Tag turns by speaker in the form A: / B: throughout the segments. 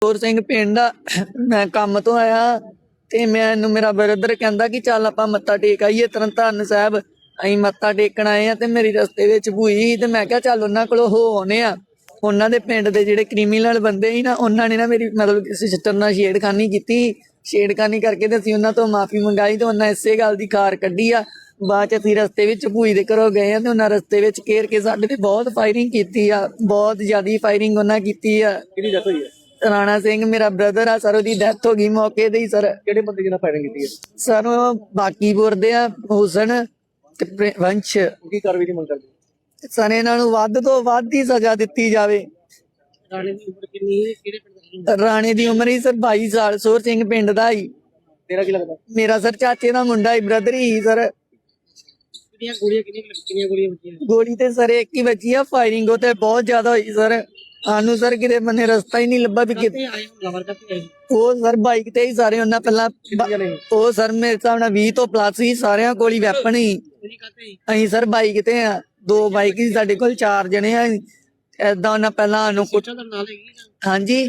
A: ਹੋਰ ਸਿੰਘ ਪਿੰਡ ਆ। ਮੈਂ ਕੰਮ ਤੋਂ ਆਇਆ ਤੇ ਮੈਨੂੰ ਮੇਰਾ ਬ੍ਰਦਰ ਕਹਿੰਦਾ ਕਿ ਚੱਲ ਆਪਾਂ ਮੱਥਾ ਟੇਕ ਆਈਏ ਤਰਨਤਾਰਨ ਸਾਹਿਬ। ਅਸੀਂ ਮੱਥਾ ਟੇਕਣ ਆਏ ਆ ਤੇ ਮੇਰੀ ਰਸਤੇ ਵਿੱਚ ਭੂਈ ਤੇ ਮੈਂ ਕਿਹਾ ਚੱਲ ਉਹਨਾਂ ਕੋਲੋਂ ਹੋ ਆਉਨੇ ਆ। ਉਹਨਾਂ ਦੇ ਪਿੰਡ ਦੇ ਜਿਹੜੇ ਕ੍ਰਿਮੀਨਲ ਬੰਦੇ ਸੀ ਨਾ, ਉਹਨਾਂ ਨੇ ਨਾ ਮੇਰੀ ਮਤਲਬ ਕਿਸੇ ਸਿਸਟਰ ਨਾਲ ਛੇੜਖਾਨੀ ਕੀਤੀ। ਛੇੜਖਾਨੀ ਕਰਕੇ ਤੇ ਅਸੀਂ ਉਹਨਾਂ ਤੋਂ ਮਾਫੀ ਮੰਗਾਈ ਤੇ ਉਹਨਾਂ ਇਸੇ ਗੱਲ ਦੀ ਖਾਰ ਕੱਢੀ ਆ। ਬਾਅਦ ਚ ਅਸੀਂ ਰਸਤੇ ਵਿੱਚ ਭੂਈ ਦੇ ਘਰੋਂ ਗਏ ਆ ਤੇ ਉਹਨਾਂ ਰਸਤੇ ਵਿੱਚ ਘੇਰ ਕੇ ਸਾਡੇ ਤੇ ਬਹੁਤ ਫਾਇਰਿੰਗ ਕੀਤੀ ਆ। ਬਹੁਤ ਜ਼ਿਆਦਾ ਫਾਇਰਿੰਗ ਉਹਨਾਂ ਕੀਤੀ ਆ।
B: ਕਿਹਦੀ ਡੈਥ ਹੋਈ ਹੈ?
A: ਰਾਣਾ ਸਿੰਘ ਮੇਰਾ ਬ੍ਰਦਰ ਆ ਸਰ, ਉਹਦੀ ਡੈਥ ਹੋ ਗਈ ਮੌਕੇ ਤੇ ਹੀ ਸਰ।
B: ਕਿਹੜੇ ਬੰਦੇ ਜਿਹਨਾਂ ਫਾਇਰਿੰਗ ਕੀਤੀ ਹੈ?
A: ਸਰ ਉਹ ਬਾਕੀਪੁਰ ਦੇ ਆ, ਹੁਸਨ ਤੇ ਵੰਸ਼।
B: ਕੀ ਕਾਰਵਾਈ ਦੀ ਮੰਗ ਕਰਦੇ?
A: ਸਰ ਇਹਨਾਂ ਨੂੰ ਵੱਧ ਤੋਂ ਵੱਧ ਹੀ ਸਜ਼ਾ ਦਿੱਤੀ ਜਾਵੇ।
B: ਰਾਣੇ ਦੀ ਉਮਰ ਕਿੰਨੀ ਹੈ? ਕਿਹੜੇ ਪਿੰਡ ਦਾ?
A: ਰਾਣੇ ਦੀ ਉਮਰ ਹੀ ਸਰ 22 ਸਾਲ, ਸੋਰ ਸਿੰਘ ਪਿੰਡ ਦਾ ਹੀ।
B: ਤੇਰਾ ਕੀ ਲੱਗਦਾ?
A: ਮੇਰਾ ਸਰ ਚਾਚੇ ਦਾ ਮੁੰਡਾ ਹੀ, ਬ੍ਰਦਰ ਹੀ ਸਰ।
B: ਕਿੰਨੀਆਂ ਗੋਲੀਆਂ ਵੱਜੀਆਂ?
A: ਗੋਲੀ ਤੇ ਸਰ ਇੱਕ ਹੀ ਵੱਜੀ ਆ। ਫਾਇਰਿੰਗ ਉਹ ਤੇ ਬਹੁਤ ਜ਼ਿਆਦਾ ਹੋਈ ਸਰ। ਸਾਨੂੰ ਸਰ ਕਿਤੇ ਬੰਨੇ ਰਸਤਾ ਹੀ ਨਹੀਂ ਲੱਭਾ ਵੀ
B: ਕਿੱਥੇ ਆਏ ਹਮਲਾਵਰ? ਕਿੱਥੇ ਆਏ?
A: ਉਹ ਸਰ ਬਾਈਕ ਤੇ ਹੀ ਸਾਰੇ ਉਹਨਾਂ ਪਹਿਲਾਂ ਉਹ ਸਰ ਮੇਰੇ ਹਿਸਾਬ ਨਾਲ 20 ਤੋਂ ਪਲੱਸ ਹੀ, ਸਾਰਿਆਂ ਕੋਲ ਹੀ ਵੈਪਨ ਹੀ। ਅਸੀਂ ਸਰ ਬਾਈਕ ਤੇ ਆ, 2 ਬਾਈਕ ਸੀ ਸਾਡੇ ਕੋਲ, 4 ਜਣੇ ਆ। ਏਦਾਂ ਉਹਨਾਂ ਪਹਿਲਾਂ ਸਾਨੂੰ ਹਾਂਜੀ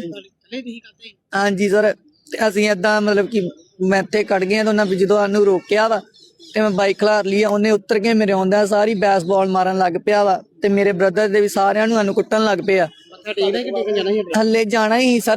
A: ਹਾਂਜੀ ਸਰ। ਤੇ ਅਸੀਂ ਏਦਾਂ ਮਤਲਬ ਕਿ ਮੈਂ ਇੱਥੇ ਕੱਢ ਗਏ ਤੇ ਉਹਨਾਂ ਵੀ ਜਦੋਂ ਸਾਨੂੰ ਰੋਕਿਆ ਵਾ ਤੇ ਮੈਂ ਬਾਈਕ ਖਲਾਰ ਲਈ, ਉਹਨੇ ਉੱਤਰ ਕੇ ਮੇਰੇ ਆਉਂਦਾ ਸਾਰੀ ਬੈਸਬਾਲ ਮਾਰਨ ਲੱਗ ਪਿਆ ਵਾ ਤੇ ਮੇਰੇ ਬ੍ਰਦਰ ਦੇ ਵੀ ਸਾਰਿਆਂ ਨੂੰ ਸਾਨੂੰ ਕੁੱਟਣ ਲੱਗ ਪਿਆ। ਹੱਲੇ ਜਾਣਾ ਹੀ ਸਰ।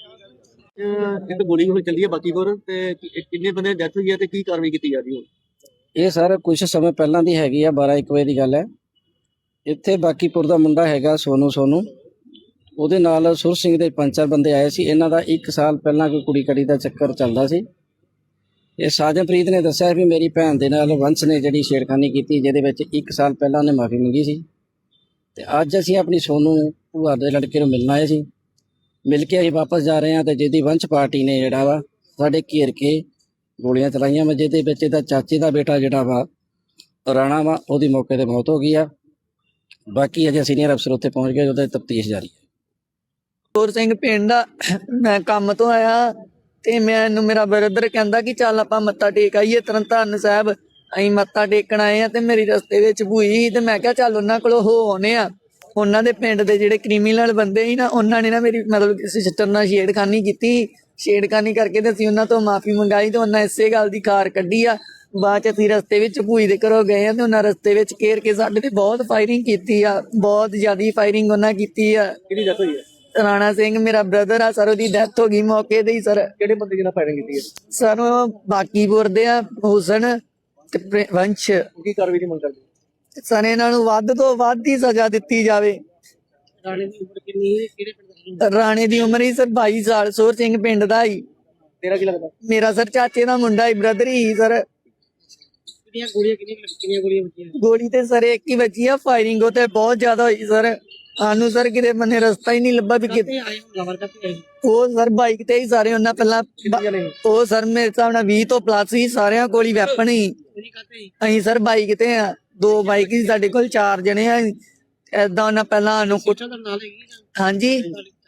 B: ਇੱਕ ਗੋਲੀ ਹੋਈ ਚੱਲੀ ਹੈ ਬਾਕੀਪੁਰ ਤੇ ਕਿੰਨੇ ਬੰਦੇ ਦੀ ਡੈਥ ਹੋਈ ਹੈ ਤੇ ਕੀ ਕਾਰਵਾਈ ਕੀਤੀ ਜਾ ਰਹੀ ਹੈ?
C: ਇਹ ਸਰ ਕੁਝ ਸਮੇਂ ਪਹਿਲਾਂ ਦੀ ਹੈਗੀ ਆ, 12-1 ਵਜੇ ਦੀ ਗੱਲ ਹੈ। ਇੱਥੇ ਬਾਕੀਪੁਰ ਦਾ ਮੁੰਡਾ ਹੈਗਾ ਸੋਨੂ, ਉਹਦੇ ਨਾਲ ਸੁਰ ਸਿੰਘ ਦੇ 5-4 ਬੰਦੇ ਆਏ ਸੀ। ਇਹਨਾਂ ਦਾ 1 ਸਾਲ ਪਹਿਲਾਂ ਕੋਈ ਕੁੜੀ ਕੜੀ ਦਾ ਚੱਕਰ ਚੱਲਦਾ ਸੀ। ਇਹ ਸਾਜਨਪ੍ਰੀਤ ਨੇ ਦੱਸਿਆ ਵੀ ਮੇਰੀ ਭੈਣ ਦੇ ਨਾਲ ਵੰਸ਼ ਨੇ ਜਿਹੜੀ ਛੇੜਖਾਨੀ ਕੀਤੀ, ਜਿਹਦੇ ਵਿੱਚ 1 ਸਾਲ ਪਹਿਲਾਂ ਉਹਨੇ ਮਾਫੀ ਮੰਗੀ ਸੀ। ਤੇ ਅੱਜ ਅਸੀਂ ਆਪਣੀ ਸੋਨੂ ਭੂਆ ਦੇ ਲੜਕੇ ਨੂੰ ਮਿਲਣ ਆਏ ਸੀ। ਮਿਲ ਕੇ ਅਸੀਂ ਵਾਪਸ ਜਾ ਰਹੇ ਹਾਂ ਤੇ ਜਿਹਦੀ ਵੰਸ਼ ਪਾਰਟੀ ਨੇ ਜਿਹੜਾ ਵਾ ਸਾਡੇ ਘੇਰ ਕੇ ਗੋਲੀਆਂ ਚਲਾਈਆਂ ਵਾ, ਜਿਹਦੇ ਵਿੱਚ ਇਹਦਾ ਚਾਚੇ ਦਾ ਬੇਟਾ ਜਿਹੜਾ ਵਾ ਰਾਣਾ ਵਾ, ਉਹਦੀ ਮੌਕੇ ਤੇ ਮੌਤ ਹੋ ਗਈ ਆ। ਬਾਕੀ ਅਜੇ ਸੀਨੀਅਰ ਅਫਸਰ ਉੱਥੇ ਪਹੁੰਚ ਗਏ, ਉਹਦਾ ਤਫਤੀਸ਼ ਜਾਰੀ ਹੈ।
A: ਹੋਰ ਸਿੰਘ ਪਿੰਡ ਆ। ਮੈਂ ਕੰਮ ਤੋਂ ਆਇਆ ਤੇ ਮੈਨੂੰ ਮੇਰਾ ਬ੍ਰਦਰ ਕਹਿੰਦਾ ਕਿ ਚੱਲ ਆਪਾਂ ਮੱਥਾ ਟੇਕ ਆਈਏ ਤਰਨਤਾਰਨ ਸਾਹਿਬ। ਅਸੀਂ ਮੱਥਾ ਟੇਕਣ ਆਏ ਆ ਤੇ ਮੇਰੀ ਰਸਤੇ ਵਿੱਚ ਭੂਈ ਤੇ ਮੈਂ ਕਿਹਾ ਚੱਲ ਉਹਨਾਂ ਕੋਲੋਂ ਹੋ ਆਉਨੇ ਆ। ਉਹਨਾਂ ਦੇ ਪਿੰਡ ਦੇ ਜਿਹੜੇ ਕ੍ਰਿਮੀਨਲ ਬੰਦੇ ਸੀ ਨਾ, ਉਹਨਾਂ ਨੇ ਨਾ ਮੇਰੀ ਮਤਲਬ ਕਿਸੇ ਸਿਸਟਰ ਨਾਲ ਛੇੜਖਾਨੀ ਕੀਤੀ। ਛੇੜਖਾਨੀ ਕਰਕੇ ਤੇ ਅਸੀਂ ਉਹਨਾਂ ਤੋਂ ਮਾਫੀ ਮੰਗਾਈ ਤੇ ਉਹਨਾਂ ਇਸੇ ਗੱਲ ਦੀ ਖਾਰ ਕੱਢੀ ਆ। ਬਾਅਦ ਚ ਅਸੀਂ ਰਸਤੇ ਵਿੱਚ ਭੂਈ ਦੇ ਘਰੋਂ ਗਏ ਆ ਤੇ ਉਹਨਾਂ ਰਸਤੇ ਵਿੱਚ ਘੇਰ ਕੇ ਸਾਡੇ ਤੇ ਬਹੁਤ ਫਾਇਰਿੰਗ ਕੀਤੀ ਆ। ਬਹੁਤ ਜ਼ਿਆਦਾ ਫਾਇਰਿੰਗ ਉਹਨਾਂ ਕੀਤੀ ਆ।
B: ਕਿਹਦੀ ਡੈਥ ਹੋਈ ਹੈ?
A: ਰਾਣਾ ਸਿੰਘ ਮੇਰਾ ਬ੍ਰਦਰ ਆ ਸਰ, ਉਹਦੀ ਡੈਥ ਹੋ ਗਈ ਮੌਕੇ ਤੇ ਹੀ ਸਰ।
B: ਕਿਹੜੇ ਬੰਦੇ ਜਿਹਨਾਂ ਫਾਇਰਿੰਗ ਕੀਤੀ ਹੈ?
A: ਸਰ ਉਹ ਬਾਕੀਪੁਰ ਦੇ ਆ, ਹੁਸਨ ਤੇ ਵੰਸ਼।
B: ਕੀ ਕਾਰਵਾਈ ਦੀ ਮੰਗ ਕਰਦੇ?
A: ਸਰ ਇਹਨਾਂ ਨੂੰ ਵੱਧ ਤੋਂ ਵੱਧ ਹੀ ਸਜ਼ਾ ਦਿੱਤੀ ਜਾਵੇ।
B: ਰਾਣੇ ਦੀ ਉਮਰ ਕਿੰਨੀ ਹੈ? ਕਿਹੜੇ ਪਿੰਡ ਦਾ?
A: ਰਾਣੇ ਦੀ ਉਮਰ ਹੀ ਸਰ 22 ਸਾਲ, ਸੋਰ ਸਿੰਘ ਪਿੰਡ ਦਾ ਹੀ।
B: ਤੇਰਾ ਕੀ ਲੱਗਦਾ?
A: ਮੇਰਾ ਸਰ ਚਾਚੇ ਦਾ ਮੁੰਡਾ ਹੀ, ਬ੍ਰਦਰ ਹੀ ਸਰ।
B: ਕਿੰਨੀਆਂ ਗੋਲੀਆਂ ਵੱਜੀਆਂ?
A: ਗੋਲੀ ਤੇ ਸਰ ਇੱਕ ਹੀ ਵੱਜੀ ਆ। ਫਾਇਰਿੰਗ ਉਹ ਤੇ ਬਹੁਤ ਜ਼ਿਆਦਾ ਹੋਈ ਸਰ। ਸਾਨੂੰ ਸਰ ਕਿਤੇ ਬੰਨੇ ਰਸਤਾ ਹੀ ਨਹੀਂ ਲੱਭਾ ਵੀ ਕਿਤੇ
B: ਆਏ ਹਮਲਾਵਰ? ਕਿੱਥੇ ਆਏ?
A: ਉਹ ਸਰ ਬਾਈਕ ਤੇ ਹੀ ਸਾਰੇ ਉਹਨਾਂ ਪਹਿਲਾਂ ਉਹ ਸਰ ਮੇਰੇ ਹਿਸਾਬ ਨਾਲ 20 ਤੋਂ ਪਲੱਸ ਹੀ, ਸਾਰਿਆਂ ਕੋਲ ਹੀ ਵੈਪਨ ਹੀ। ਅਸੀਂ ਸਰ ਬਾਈਕ ਤੇ ਆ, 2 ਬਾਈਕ ਸੀ ਸਾਡੇ ਕੋਲ, 4 ਜਣੇ ਆ। ਏਦਾਂ ਉਹਨਾਂ ਪਹਿਲਾਂ ਸਾਨੂੰ ਹਾਂਜੀ